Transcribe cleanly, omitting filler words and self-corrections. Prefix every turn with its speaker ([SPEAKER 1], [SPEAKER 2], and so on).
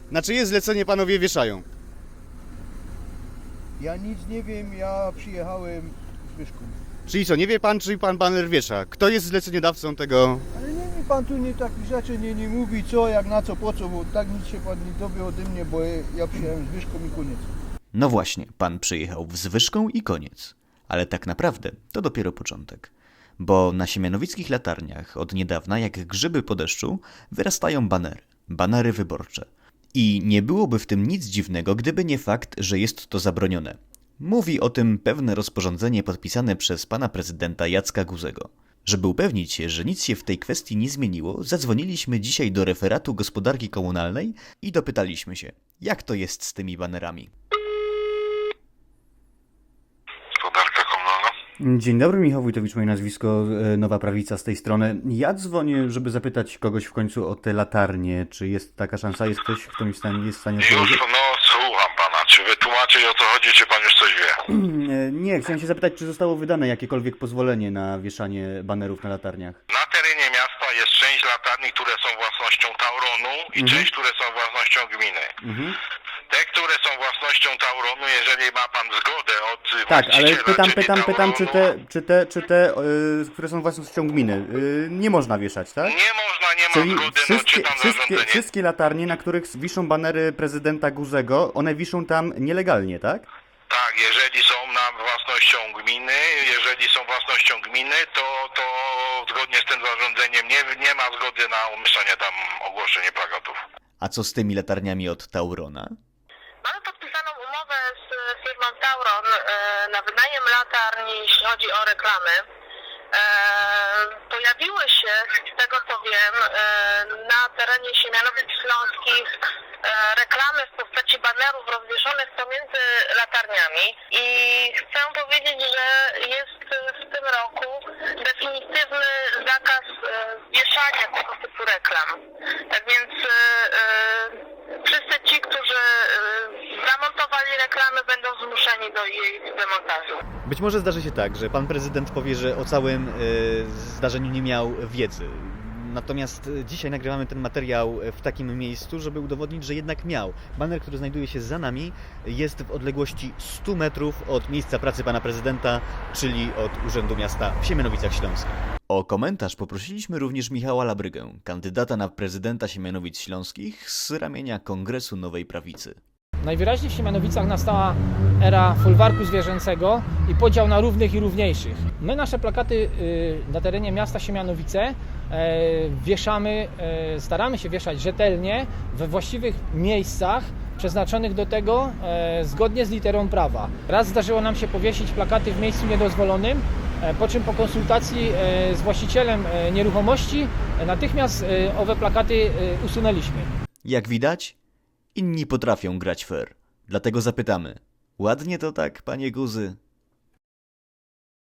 [SPEAKER 1] Na czyje zlecenie panowie wieszają?
[SPEAKER 2] Ja nic nie wiem, ja przyjechałem z Wyszku.
[SPEAKER 1] Czyli co, nie wie pan, czy pan baner wiesza? Kto jest zleceniodawcą tego?
[SPEAKER 2] Ale nie mi pan tu takich rzeczy nie mówi, co, jak, na co, po co, bo tak nic się pan nie dowie ode mnie, bo ja przyjechałem z Wyszką i koniec.
[SPEAKER 3] No właśnie, pan przyjechał z Wyszką i koniec. Ale tak naprawdę to dopiero początek. Bo na siemianowickich latarniach od niedawna, jak grzyby po deszczu, wyrastają banery. Banery wyborcze. I nie byłoby w tym nic dziwnego, gdyby nie fakt, że jest to zabronione. Mówi o tym pewne rozporządzenie podpisane przez pana prezydenta Jacka Guzego. Żeby upewnić się, że nic się w tej kwestii nie zmieniło, zadzwoniliśmy dzisiaj do referatu gospodarki komunalnej i dopytaliśmy się, jak to jest z tymi banerami.
[SPEAKER 4] Gospodarka komunalna?
[SPEAKER 1] Dzień dobry, Michał Wójtowicz, moje nazwisko, Nowa Prawica z tej strony. Ja dzwonię, żeby zapytać kogoś w końcu o te latarnie. Czy jest taka szansa? Jest ktoś, kto mi jest w stanie
[SPEAKER 4] Już,
[SPEAKER 1] odpowiedzieć?
[SPEAKER 4] no słucham pana. Czy wytłumaczyć o co chodzi, czy pan już coś wie?
[SPEAKER 1] Nie, chciałem się zapytać, czy zostało wydane jakiekolwiek pozwolenie na wieszanie banerów na latarniach?
[SPEAKER 4] Na terenie miasta jest część latarni, które są własnością Tauronu i część, które są własnością gminy. Te, które są własnością Tauronu, jeżeli ma pan zgodę od
[SPEAKER 1] Tak, ale
[SPEAKER 4] właściciela, czyli
[SPEAKER 1] pytam, czy
[SPEAKER 4] Tauronu,
[SPEAKER 1] te, które są własnością gminy, nie można wieszać, tak?
[SPEAKER 4] nie można, nie ma
[SPEAKER 1] Czyli
[SPEAKER 4] zgody, no czytam zarządzenie.
[SPEAKER 1] wszystkie latarnie, na których wiszą banery prezydenta Guzego, one wiszą tam nielegalnie, tak?
[SPEAKER 4] Tak, jeżeli są własnością gminy, to zgodnie z tym zarządzeniem nie ma zgody na umieszczanie tam ogłoszenie plakatów.
[SPEAKER 3] A co z tymi latarniami od Taurona?
[SPEAKER 5] Mamy podpisaną umowę z firmą Tauron na wynajem latarni, jeśli chodzi o reklamy. Pojawiły się, z tego co wiem, na terenie Siemianowic Śląskich reklamy w postaci banerów rozwieszonych pomiędzy latarniami i chcę powiedzieć, że jest w tym roku definitywny zakaz wieszania tego typu reklam. Tak więc wszyscy ci, którzy zamontowali reklamy, będą zmuszeni do jej demontażu.
[SPEAKER 1] Być może zdarzy się tak, że pan prezydent powie, że o całym zdarzeniu nie miał wiedzy. Natomiast dzisiaj nagrywamy ten materiał w takim miejscu, żeby udowodnić, że jednak miał. Baner, który znajduje się za nami, jest w odległości 100 metrów od miejsca pracy pana prezydenta, czyli od Urzędu Miasta w Siemianowicach Śląskich.
[SPEAKER 3] O komentarz poprosiliśmy również Michała Labrygę, kandydata na prezydenta Siemianowic Śląskich z ramienia Kongresu Nowej Prawicy.
[SPEAKER 6] Najwyraźniej w Siemianowicach nastała era folwarku zwierzęcego i podział na równych i równiejszych. My nasze plakaty na terenie miasta Siemianowice wieszamy, staramy się wieszać rzetelnie we właściwych miejscach przeznaczonych do tego zgodnie z literą prawa. Raz zdarzyło nam się powiesić plakaty w miejscu niedozwolonym, po czym po konsultacji z właścicielem nieruchomości natychmiast owe plakaty usunęliśmy.
[SPEAKER 3] Jak widać, inni potrafią grać fair. Dlatego zapytamy, ładnie to tak, panie Guzy?